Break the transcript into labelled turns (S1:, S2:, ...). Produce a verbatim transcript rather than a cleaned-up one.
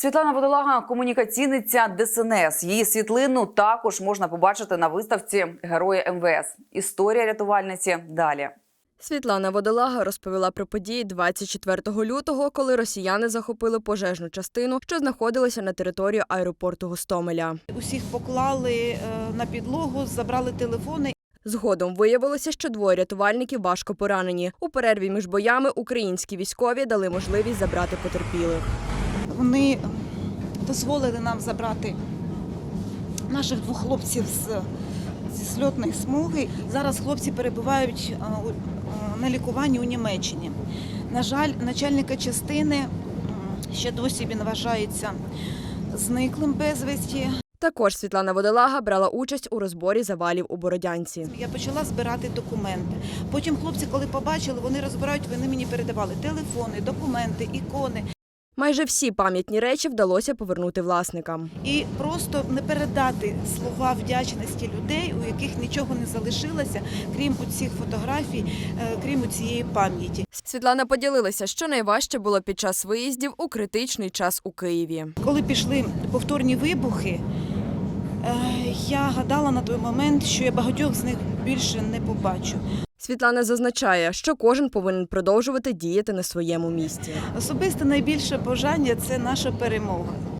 S1: Світлана Водолага – комунікаційниця Де Ес Ен Ес. Її світлину також можна побачити на виставці «Герої Ем Ве Ес». Історія рятувальниці далі.
S2: Світлана Водолага розповіла про події двадцять четвертого лютого, коли росіяни захопили пожежну частину, що знаходилася на території аеропорту Гостомеля.
S3: Усіх поклали на підлогу, забрали телефони.
S2: Згодом виявилося, що двоє рятувальників важко поранені. У перерві між боями українські військові дали можливість забрати потерпілих. Вони
S3: Дозволили нам забрати наших двох хлопців з, зі сльотної смуги. Зараз хлопці перебувають на лікуванні у Німеччині. На жаль, начальника частини ще досі він вважається зниклим безвісті.
S2: Також Світлана Водолага брала участь у розборі завалів у Бородянці.
S3: Я почала збирати документи. Потім хлопці, коли побачили, вони розбирають, вони мені передавали телефони, документи, ікони.
S2: Майже всі пам'ятні речі вдалося повернути власникам.
S3: І просто не передати слова вдячності людей, у яких нічого не залишилося, крім цих фотографій, крім цієї пам'яті.
S2: Світлана поділилася, що найважче було під час виїздів у критичний час у Києві.
S3: Коли пішли повторні вибухи, я гадала на той момент, що я багатьох з них більше не побачу.
S2: Світлана зазначає, що кожен повинен продовжувати діяти на своєму місці.
S3: Особисте найбільше бажання – це наша перемога.